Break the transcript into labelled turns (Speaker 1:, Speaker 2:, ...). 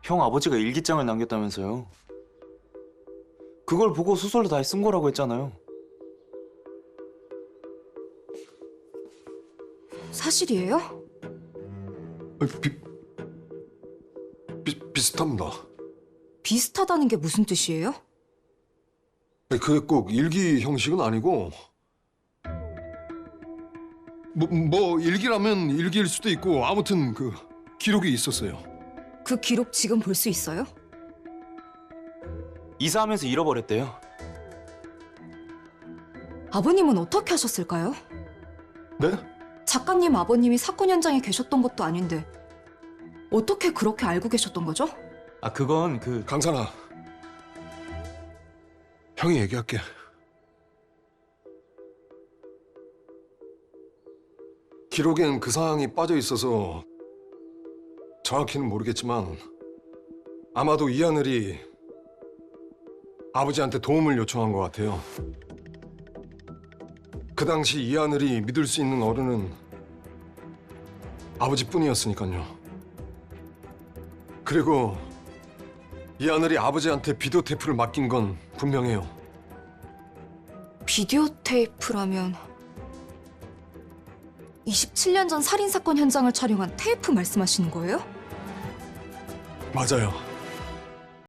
Speaker 1: 형 아버지가 일기장을 남겼다면서요. 그걸 보고 소설로 다 쓴 거라고 했잖아요.
Speaker 2: 사실이에요?
Speaker 3: 비슷합니다.
Speaker 2: 비슷하다는 게 무슨 뜻이에요?
Speaker 3: 그게 꼭 일기 형식은 아니고 뭐 일기라면 일기일 수도 있고 아무튼 그 기록이 있었어요.
Speaker 2: 그 기록 지금 볼 수 있어요?
Speaker 1: 이사하면서 잃어버렸대요.
Speaker 2: 아버님은 어떻게 하셨을까요?
Speaker 3: 네?
Speaker 2: 작가님 아버님이 사건 현장에 계셨던 것도 아닌데 어떻게 그렇게 알고 계셨던 거죠?
Speaker 1: 아, 그건
Speaker 3: 강산아, 형이 얘기할게. 기록엔 그 사항이 빠져 있어서 정확히는 모르겠지만 아마도 이하늘이 아버지한테 도움을 요청한 것 같아요. 그 당시 이하늘이 믿을 수 있는 어른은 아버지뿐이었으니까요. 그리고 이하늘이 아버지한테 비디오 테이프를 맡긴 건 분명해요.
Speaker 2: 비디오 테이프라면 27년 전 살인사건 현장을 촬영한 테이프 말씀하시는 거예요?
Speaker 3: 맞아요.